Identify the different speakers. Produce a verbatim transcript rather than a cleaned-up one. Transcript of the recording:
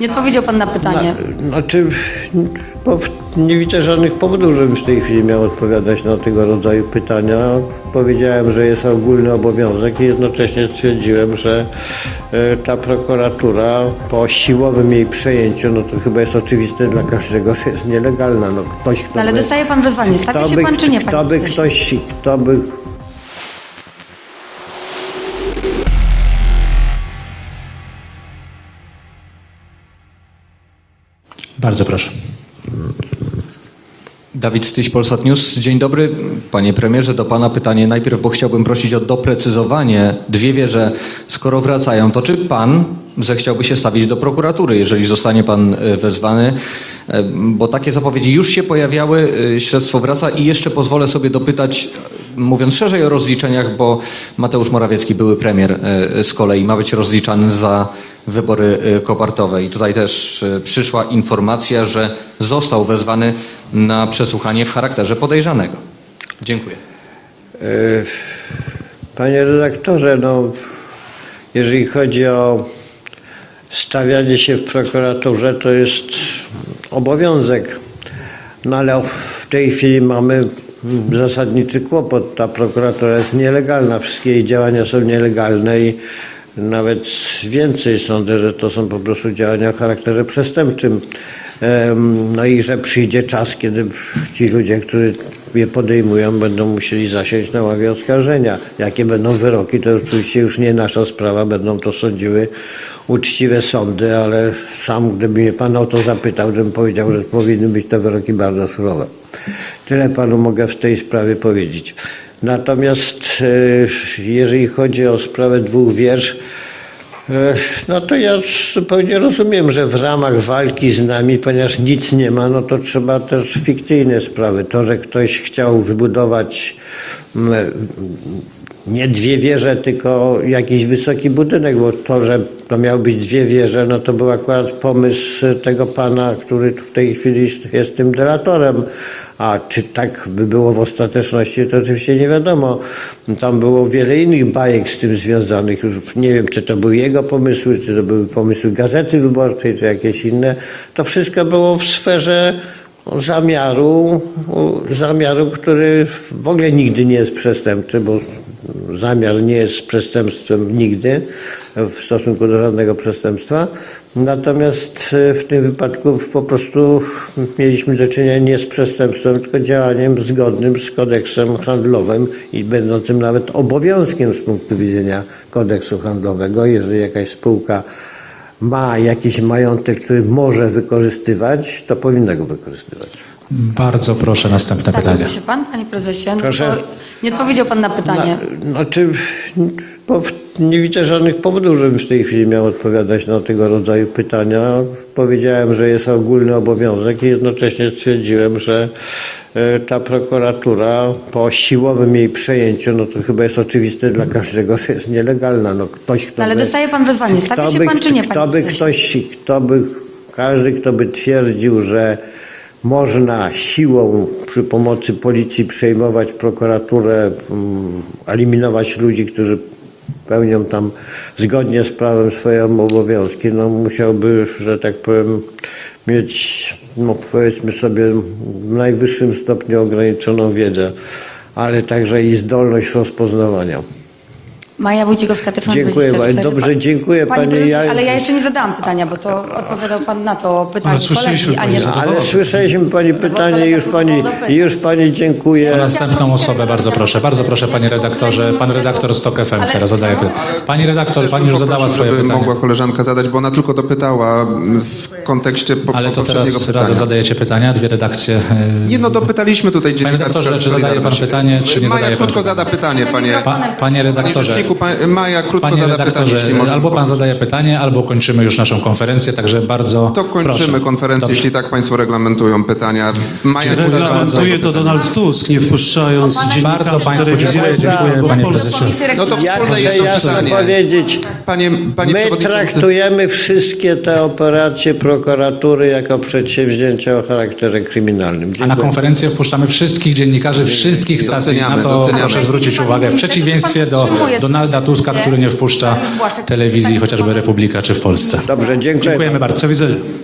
Speaker 1: Nie odpowiedział pan na pytanie.
Speaker 2: Na, znaczy, bo nie widzę żadnych powodów, żebym w tej chwili miał odpowiadać na tego rodzaju pytania. Powiedziałem, że jest ogólny obowiązek i jednocześnie stwierdziłem, że e, ta prokuratura po siłowym jej przejęciu, no to chyba jest oczywiste dla każdego, że jest nielegalna. No, ktoś, kto
Speaker 1: No, ale
Speaker 2: by,
Speaker 1: dostaje pan wezwanie. Stawi
Speaker 2: kto
Speaker 1: się
Speaker 2: by,
Speaker 1: pan czy nie, panie
Speaker 2: Kto by
Speaker 1: prezesie?
Speaker 2: ktoś, kto by
Speaker 3: Bardzo proszę.
Speaker 4: Dawid Styś, Polsat News. Dzień dobry. Panie premierze, do pana pytanie najpierw, bo chciałbym prosić o doprecyzowanie. Dwie wieże, skoro wracają, to czy pan zechciałby się stawić do prokuratury, jeżeli zostanie pan wezwany? Bo takie zapowiedzi już się pojawiały, śledztwo wraca i jeszcze pozwolę sobie dopytać, mówiąc szerzej o rozliczeniach, bo Mateusz Morawiecki, były premier, z kolei ma być rozliczany za wybory kopertowe. I tutaj też przyszła informacja, że został wezwany na przesłuchanie w charakterze podejrzanego. Dziękuję.
Speaker 2: Panie redaktorze, no, jeżeli chodzi o stawianie się w prokuraturze, to jest obowiązek. No ale w tej chwili mamy zasadniczy kłopot. Ta prokuratura jest nielegalna, wszystkie jej działania są nielegalne i nawet więcej sądzę, że to są po prostu działania o charakterze przestępczym. No i że przyjdzie czas, kiedy ci ludzie, którzy je podejmują, będą musieli zasiąść na ławie oskarżenia. Jakie będą wyroki, to oczywiście już nie nasza sprawa, będą to sądziły uczciwe sądy, ale sam, gdyby mnie pan o to zapytał, żebym powiedział, że powinny być to wyroki bardzo surowe. Tyle panu mogę w tej sprawie powiedzieć. Natomiast jeżeli chodzi o sprawę dwóch wież, no to ja zupełnie rozumiem, że w ramach walki z nami, ponieważ nic nie ma, no to trzeba też fikcyjne sprawy. To, że ktoś chciał wybudować nie dwie wieże, tylko jakiś wysoki budynek, bo to, że to miały być dwie wieże, no to był akurat pomysł tego pana, który w tej chwili jest tym delatorem. A czy tak by było w ostateczności, to oczywiście nie wiadomo. Tam było wiele innych bajek z tym związanych. Już nie wiem, czy to były jego pomysły, czy to były pomysły Gazety Wyborczej, czy jakieś inne. To wszystko było w sferze zamiaru, zamiaru, który w ogóle nigdy nie jest przestępczy, bo zamiar nie jest przestępstwem nigdy w stosunku do żadnego przestępstwa. Natomiast w tym wypadku po prostu mieliśmy do czynienia nie z przestępstwem, tylko działaniem zgodnym z kodeksem handlowym i będącym nawet obowiązkiem z punktu widzenia kodeksu handlowego. Jeżeli jakaś spółka ma jakiś majątek, który może wykorzystywać, to powinna go wykorzystywać.
Speaker 3: Bardzo proszę, następne pytanie.
Speaker 1: Stawiłby się pan, panie prezesie? No
Speaker 2: Proszę?
Speaker 1: to nie odpowiedział pan na pytanie.
Speaker 2: Na, znaczy, bo nie widzę żadnych powodów, żebym w tej chwili miał odpowiadać na tego rodzaju pytania. Powiedziałem, że jest ogólny obowiązek i jednocześnie stwierdziłem, że ta prokuratura po siłowym jej przejęciu, no to chyba jest oczywiste dla każdego, że jest nielegalna. No, ktoś, kto
Speaker 1: No, ale
Speaker 2: by,
Speaker 1: dostaje pan wezwanie. Stawi się
Speaker 2: by,
Speaker 1: pan czy nie,
Speaker 2: kto
Speaker 1: panie
Speaker 2: by
Speaker 1: prezesie?
Speaker 2: ktoś, kto by, każdy, kto by twierdził, że można siłą przy pomocy policji przejmować prokuraturę, eliminować ludzi, którzy pełnią tam zgodnie z prawem swoje obowiązki, no musiałby, że tak powiem, mieć, no powiedzmy sobie, w najwyższym stopniu ograniczoną wiedzę, ale także i zdolność rozpoznawania.
Speaker 1: Maja Wójcikowska, T V N
Speaker 2: Dziękuję
Speaker 1: dwadzieścia cztery.
Speaker 2: bardzo. Dobrze, dziękuję
Speaker 1: Panie
Speaker 2: pani.
Speaker 1: prezesie,
Speaker 2: Ja-
Speaker 1: ale ja jeszcze nie zadałam pytania, bo to odpowiadał pan na to pytanie
Speaker 3: Ale słyszeliśmy
Speaker 1: kolegi, a
Speaker 3: pani
Speaker 1: nie...
Speaker 3: zadowolona.
Speaker 2: Ale słyszeliśmy pani pytanie,
Speaker 1: kolega
Speaker 2: już pani,
Speaker 1: próbował dopytać.
Speaker 2: już pani dziękuję.
Speaker 3: O następną osobę, bardzo proszę. Bardzo proszę, panie redaktorze. Pan redaktor z Tok F M teraz zadaje pytanie. Pani redaktor, pani już zadała swoje
Speaker 5: żeby
Speaker 3: pytanie.
Speaker 5: mogła koleżanka zadać, bo ona tylko dopytała w kontekście po,
Speaker 3: Ale to
Speaker 5: poprzedniego
Speaker 3: teraz
Speaker 5: pytania.
Speaker 3: razem zadajecie pytania, dwie redakcje. e,
Speaker 5: Nie no, dopytaliśmy tutaj dziennikarza.
Speaker 3: redaktorze, czy zadaje pan pytanie, czy nie
Speaker 5: Maja
Speaker 3: zadaje pan
Speaker 5: krótko
Speaker 3: pytania?
Speaker 5: zada pytanie, panie.
Speaker 3: Pa, panie
Speaker 5: Panie
Speaker 3: redaktorze.
Speaker 5: rzeczniku, pan, Maja krótko
Speaker 3: Panie
Speaker 5: zada pytanie,
Speaker 3: redaktorze,
Speaker 5: jeśli może.
Speaker 3: albo pan zadaje pytanie, albo kończymy już naszą konferencję, także bardzo
Speaker 5: To kończymy
Speaker 3: proszę.
Speaker 5: konferencję,
Speaker 3: Dobrze.
Speaker 5: jeśli tak państwo reglamentują pytania. Maja nie zadała
Speaker 6: Reglamentuje to Donald Tusk, nie wpuszczając
Speaker 1: Bardzo
Speaker 6: dziennikarzy
Speaker 3: Państwu
Speaker 6: telewizji.
Speaker 3: dziękuję, dziękuję,
Speaker 6: bo w
Speaker 3: panie
Speaker 6: Polsce-
Speaker 3: prezesie.
Speaker 5: No to
Speaker 2: Ja
Speaker 5: wspólne
Speaker 2: chcę
Speaker 5: jest
Speaker 2: jasno
Speaker 5: pytanie.
Speaker 2: powiedzieć,
Speaker 5: Panie, panie
Speaker 2: my
Speaker 5: przewodniczący.
Speaker 2: traktujemy wszystkie te operacje prokuratury jako przedsięwzięcia o charakterze kryminalnym.
Speaker 3: A na
Speaker 2: Dziękuję.
Speaker 3: konferencję wpuszczamy wszystkich dziennikarzy, wszystkich stacji.
Speaker 5: Doceniamy,
Speaker 3: Na to
Speaker 5: doceniamy.
Speaker 3: proszę zwrócić uwagę. W przeciwieństwie do, do Donalda Tuska, który nie wpuszcza telewizji, chociażby Republika czy w Polsce.
Speaker 2: Dobrze, dziękuję.
Speaker 3: Dziękujemy bardzo.
Speaker 6: Do widzenia.